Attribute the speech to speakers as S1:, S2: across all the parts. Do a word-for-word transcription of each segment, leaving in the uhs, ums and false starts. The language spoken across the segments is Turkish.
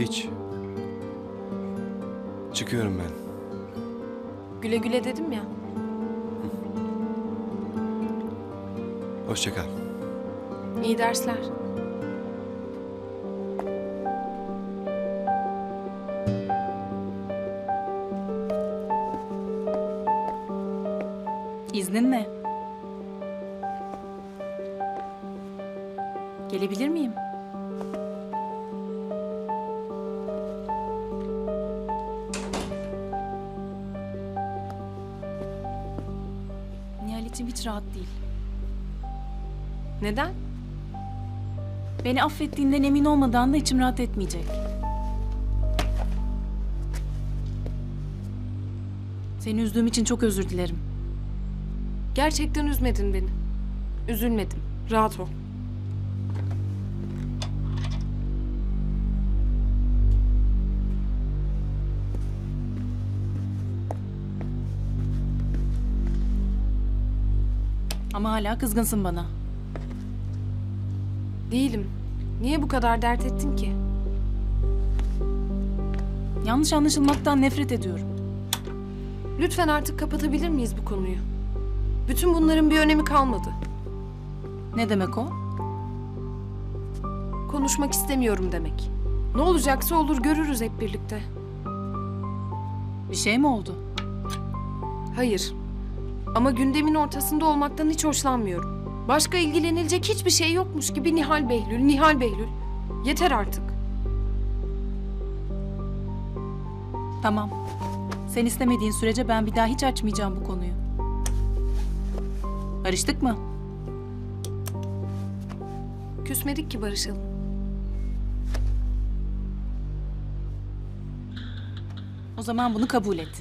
S1: Hiç. Çıkıyorum ben.
S2: Güle güle dedim ya.
S1: Hoşça kal.
S2: İyi dersler.
S3: İzninle. Gelebilir miyim? Nihal içim hiç rahat değil.
S2: Neden?
S3: Beni affettiğinden emin olmadan da içim rahat etmeyecek. Seni üzdüğüm için çok özür dilerim.
S2: Gerçekten üzmedin beni. Üzülmedim. Rahat ol.
S3: Ama hala kızgınsın bana.
S2: Değilim. Niye bu kadar dert ettin ki?
S3: Yanlış anlaşılmaktan nefret ediyorum.
S2: Lütfen artık kapatabilir miyiz bu konuyu? Bütün bunların bir önemi kalmadı.
S3: Ne demek o?
S2: Konuşmak istemiyorum demek. Ne olacaksa olur, görürüz hep birlikte.
S3: Bir şey mi oldu?
S2: Hayır. Ama gündemin ortasında olmaktan hiç hoşlanmıyorum. Başka ilgilenilecek hiçbir şey yokmuş gibi Nihal Behlül, Nihal Behlül. Yeter artık.
S3: Tamam. Sen istemediğin sürece ben bir daha hiç açmayacağım bu konuyu. Barıştık mı?
S2: Küsmedik ki barışalım.
S3: O zaman bunu kabul et.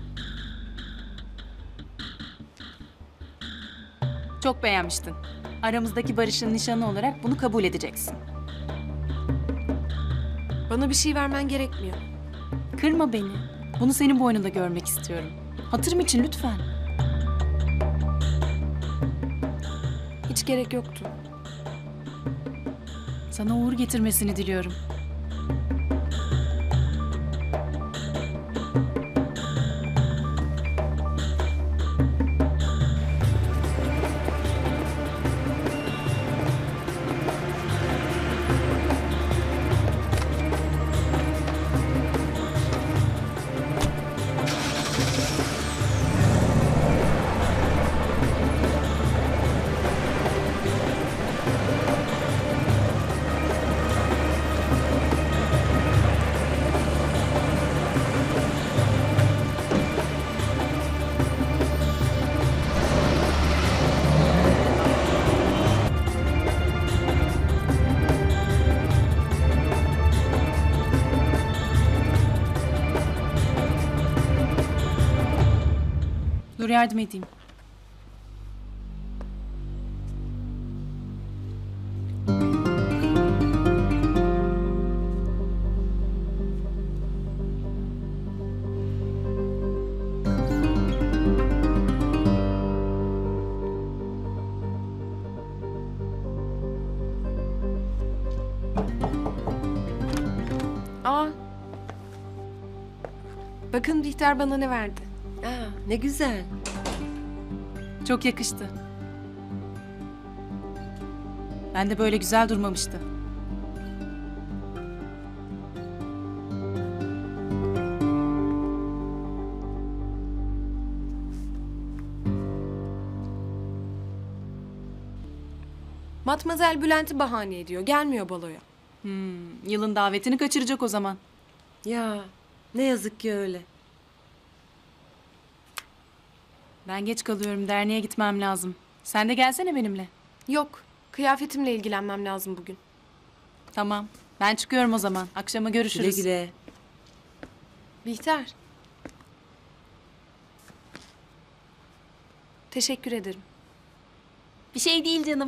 S3: Çok beğenmiştin. Aramızdaki barışın nişanı olarak bunu kabul edeceksin.
S2: Bana bir şey vermen gerekmiyor.
S3: Kırma beni. Bunu senin boynunda görmek istiyorum. Hatırım için lütfen.
S2: Hiç gerek yoktu.
S3: Sana uğur getirmesini diliyorum. Dur yardım edeyim.
S2: Aa. Bakın Bihter bana ne verdi.
S4: Aa, ne güzel.
S3: Çok yakıştı. Ben de böyle güzel durmamıştı.
S2: Matmazel Bülent'i bahane ediyor. Gelmiyor baloya.
S3: Hmm, yılın davetini kaçıracak o zaman.
S4: Ya ne yazık ki öyle.
S3: Ben geç kalıyorum. Derneğe gitmem lazım. Sen de gelsene benimle.
S2: Yok. Kıyafetimle ilgilenmem lazım bugün.
S3: Tamam. Ben çıkıyorum o zaman. Akşama
S4: Güle
S3: görüşürüz.
S4: güle.
S2: Bihter. Teşekkür ederim.
S3: Bir şey değil canım.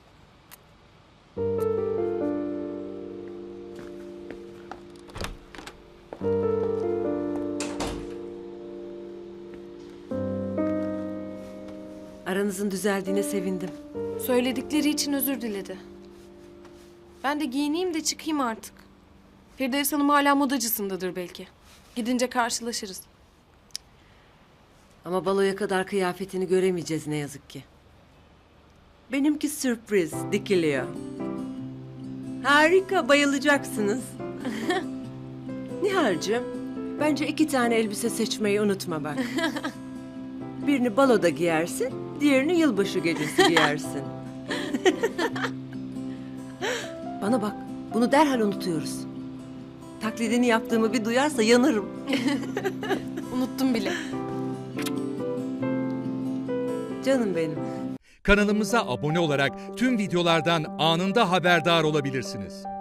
S4: Aranızın düzeldiğine sevindim.
S2: Söyledikleri için özür diledi. Ben de giyineyim de çıkayım artık. Firdevs Hanım hala modacısındadır belki. Gidince karşılaşırız.
S4: Ama baloya kadar kıyafetini göremeyeceğiz ne yazık ki. Benimki sürpriz, dikiliyor. Harika, bayılacaksınız. Nihal'cığım, bence iki tane elbise seçmeyi unutma bak. Birini baloda giyersin, diğerini yılbaşı gecesi giyersin. Bana bak, bunu derhal unutuyoruz. Taklidini yaptığımı bir duyarsa yanarım.
S2: Unuttum bile.
S4: Canım benim.
S5: Kanalımıza abone olarak tüm videolardan anında haberdar olabilirsiniz.